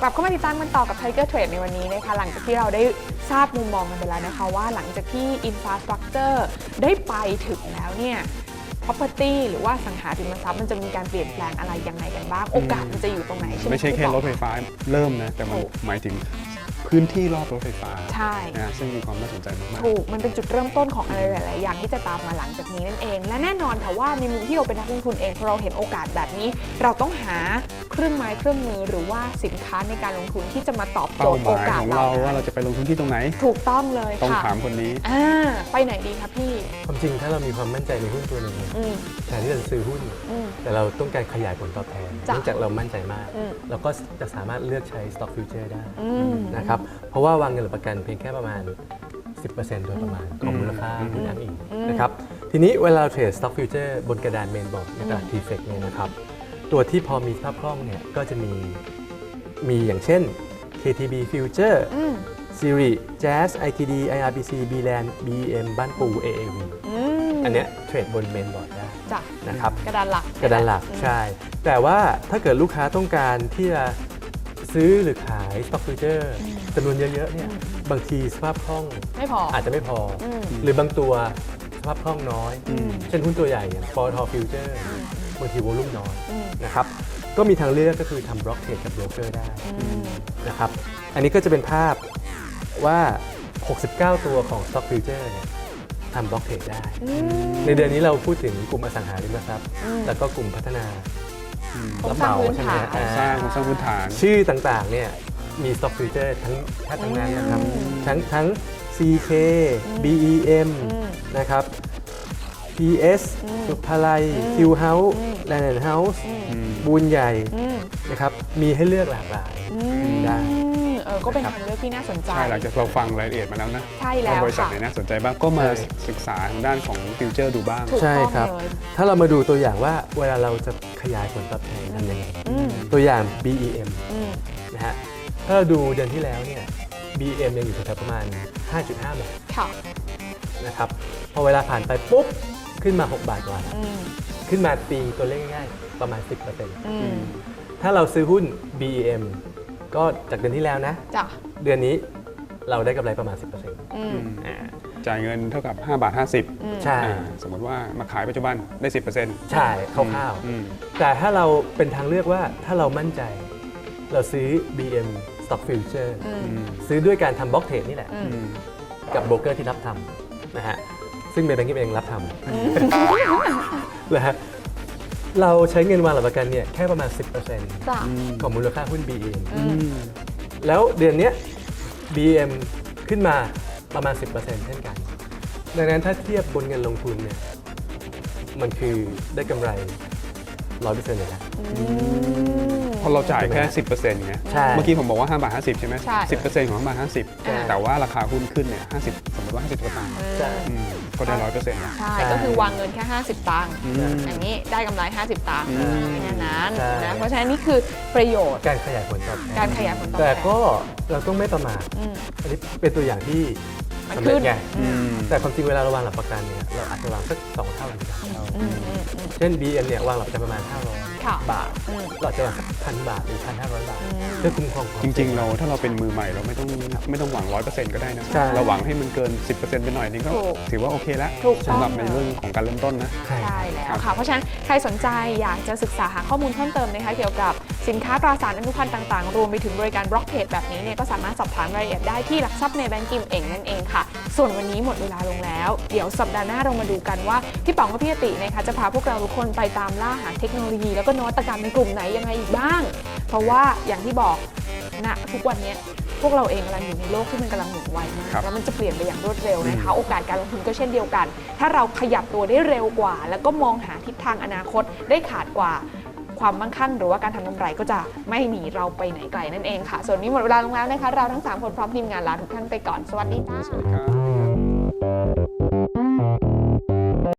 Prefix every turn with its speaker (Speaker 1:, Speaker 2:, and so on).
Speaker 1: ลับเข้ามาติดตามกันต่อกับ Tiger Trade ในวันนี้นะคะหลังจากที่เราได้ทราบมุมมองกันไปแล้วนะคะว่าหลังจากที่ Infrastructure ได้ไปถึงแล้วเนี่ย property หรือว่าสังหาริมทรัพย์มันจะมีการเปลี่ยนแปลงอะไรยังไงกันบ้างโอกาสมันจะอยู่ตรงไหนใช่ไหม
Speaker 2: ไม่ใช่แค่รถไฟฟ้าเริ่มนะแต่มันหมายถึงพื้นที่รอบรถไฟฟ้า
Speaker 1: ใช่
Speaker 2: นะซึ่งมีความน่าสนใจมากๆ
Speaker 1: ถูกมันเป็นจุดเริ่มต้นของอะไรหลายๆอย่างที่จะตามมาหลังจากนี้นั่นเองและแน่นอนค่ะว่าในมุมที่เราเป็นนักลงทุนเองพอเราเห็นโอกาสแบบนี้เราต้องหาเครื่องไม้เครื่องมือหรือว่าสินค้าในการลงทุนที่จะมาตอบโจ
Speaker 2: เป้า
Speaker 1: ทย์
Speaker 2: ห
Speaker 1: โอ
Speaker 2: มาย
Speaker 1: กาส
Speaker 2: ของ
Speaker 1: เรา
Speaker 2: เราว่าเราจะไปลงทุนที่ตรงไหน
Speaker 1: ถูกต้องเลย
Speaker 2: ต้อง
Speaker 1: ค่ะ
Speaker 2: ถามคนนี้
Speaker 1: ไปไหนดีคะพี่
Speaker 3: ความจริงถ้าเรามีความมั่นใจในหุ้นตัวหนึ่งแทนที่จะซื้อหุ้นแต่เราต้องการขยายผลตอบแทนเนื่องจากเรามั่นใจมากเราก็จะสามารถเลือกใช้ stock future ได้นะครับเพราะว่าวางเงินหรือประกันเพียงแค่ประมาณ 10% โดยประมาณของมูลค่าหุ้นอ้างอิงนะครับทีนี้เวลาเราเทรด stock future บนกระดานเมนบอร์ดในตลาด TFX เนี่ยนะครับตัวที่พอมีสภาพคล่องเนี่ยก็จะมีอย่างเช่น KTB Future Siri Jazz ITD IRBC BLAN BEM บ้านปู AAV อันเนี้ยเทรดบนเมนบอร์ดได้นะครับ
Speaker 1: กระดานหลัก
Speaker 3: ใช่แต่ว่าถ้าเกิดลูกค้าต้องการที่จะซื้อหรือขาย stock future จำนวนเยอะๆเนี่ยบางทีสภาพคล่อง
Speaker 1: ไม่พอ
Speaker 3: อาจจะไม่พอหรือบางตัวสภาพคล่องน้อยเช่นหุ้นตัวใหญ่อย่าง ปตท. Future บางทีวอลุ่มน้อยนะครับก็มีทางเลือกก็คือทำบล็อกเทรดกับโบรกเกอร์ได้นะครับอันนี้ก็จะเป็นภาพว่า 69 ตัวของ stock future เนี่ยทำบล็อกเทรดได้ในเดือนนี้เราพูดถึงกลุ่มอสังหาริมทรัพย์แล้วก็กลุ่มพัฒนารับเหมาใช่ไหม
Speaker 2: สร้างพื้นฐาน
Speaker 3: ชื่อต่างๆเนี่ยมี stock future ทั้งนั้นนะครับทั้ง CK BEM นะครับ PS สุภาลัย Q House Land House บูนใหญ่นะครับมีให้เลือกหลากหลายได้
Speaker 1: ก็เป็นทางเลือกที่น่าสนใจ
Speaker 2: ใช่หลังจากเราฟังรายละเอียดมาแล้วนะ
Speaker 1: ใช่แล้ว
Speaker 2: บริษัทไหนน่าสนใจบ้างก็มาศึกษาทางด้านของฟิวเจอร์ดูบ้าง
Speaker 3: ใช่ครับถ้าเรามาดูตัวอย่างว่าเวลาเราจะขยายผลตอบแทนทำยังไงตัวอย่าง BEM นะฮะถ้าเราดูเดือนที่แล้วเนี่ย BEM ยังอยู่แถวประมาณ 5.5 บาทนะครับพอเวลาผ่านไปปุ๊บขึ้นมา6 บาทกว่าขึ้นมาตีตัวเลขง่ายๆประมาณ 10%ถ้าเราซื้อหุ้น BEM ก็จากเดือนที่แล้วนะเดือนนี้เราได้กำไรประมาณ 10%
Speaker 2: จ่ายเงินเท่ากับ5.50 บาท
Speaker 3: ใช่
Speaker 2: สมมติว่ามาขายปัจจุบันได้ 10%
Speaker 3: ใช่คร่าวๆแต่ถ้าเราเป็นทางเลือกว่าถ้าเรามั่นใจเราซื้อ BM Stock Future ซื้อด้วยการทำบล็อกเทรดนี่แหละกับโบรกเกอร์ที่รับทำนะฮะซึ่งเมย์แบงกิ้งเองรับทำนะฮะเราใช้เงินวางหลักประกันเนี่ยแค่ประมาณ 10% ของมูลค่าหุ้น BM แล้วเดือนนี้ BM ขึ้นมาประมาณ 10% เช่นกันดังนั้นถ้าเทียบบนเงินลงทุนเนี่ยมันคือได้กำไร 100% เลยนะ
Speaker 2: พอเราจ่ายแค่ 10% ไงเมื่อกี้ผมบอกว่า5.50 บาทใช่ไหม 10% ของ5.50 บาทแต่ว่าราคาหุ้นขึ้นเนี่ย50สมมติว่า50 สตางค์ก็ได้ 100% นะ
Speaker 1: ใช่ก็คือวางเงินแค่50 ตังค์อย่างนี้ได้กำไร50 ตังค์แค่นั้นนะเพราะฉะนั้นนี่คือประโยชน์
Speaker 3: การขยายผลตอบแทน
Speaker 1: แต่
Speaker 3: ก็เราต้องไม่ประมาทอันนี้เป็นตัวอย่างที่สำเร็จไงแต่ความจริงเวลาเราวางหลักประกันเนี่ยเราอาจจะวางสัก2 เท่าหรือ3 เท่าเช่น BM เนี่ยวางหลักประกันประมาณ500 บาทเราอาจจะวางสัก1,000 บาทหรือ 1,500 บาทเพื่อคุ้มครอง
Speaker 2: จริงๆเราถ้าเราเป็นมือใหม่เราไม่ต้องหวัง 100% ก็ได้นะเราหวังให้มันเกิน 10% ไปหน่อยนึงก็ถือว่าโอเคแล้วสำหรับในเรื่องของการเริ่มต้นนะ
Speaker 1: ใช่แล้วค่ะเพราะฉะนั้นใครสนใจอยากจะศึกษาหาข้อมูลเพิ่มเติมนะคะเกี่ยวกับสินค้าตราสารอนุพันธ์ต่างๆรวมไปถึงบริการบล็อกเทรดแบบนี้เนี่ยก็สามารถสอบถามรายละเอียดได้ที่หลักทรัพย์ในแบงก์กิมเองนั่นเองค่ะส่วนวันนี้หมดเวลาลงแล้วเดี๋ยวสัปดาห์หน้าเรามาดูกันว่าพี่ป๋องกับพี่อตินะคะจะพาพวกเราทุกคนไปตามล่าหาเทคโนโลยีแล้วก็นวัตกรรมในกลุ่มไหนยังไงอีกบ้างเพราะว่าอย่างที่บอกณทุกวันนี้พวกเราเองกำลังอยู่ในโลกที่มันกำลังหมุนไวมากแล้วมันจะเปลี่ยนไปอย่างรวดเร็วนะคะโอกาสการลงทุนก็เช่นเดียวกันถ้าเราขยับตัวได้เร็วกว่าแล้วก็มองหาทิศทางอนาคตได้ขาดกว่าความมั่งคั่งหรือว่าการทำกำไรก็จะไม่หนีเราไปไหนไกลนั่นเองค่ะส่วนนี้หมดเวลาลงแล้วนะคะเราทั้ง3 คนพร้อมทีมงานลาทุกท่านไปก่อนสวัสดีค่ะ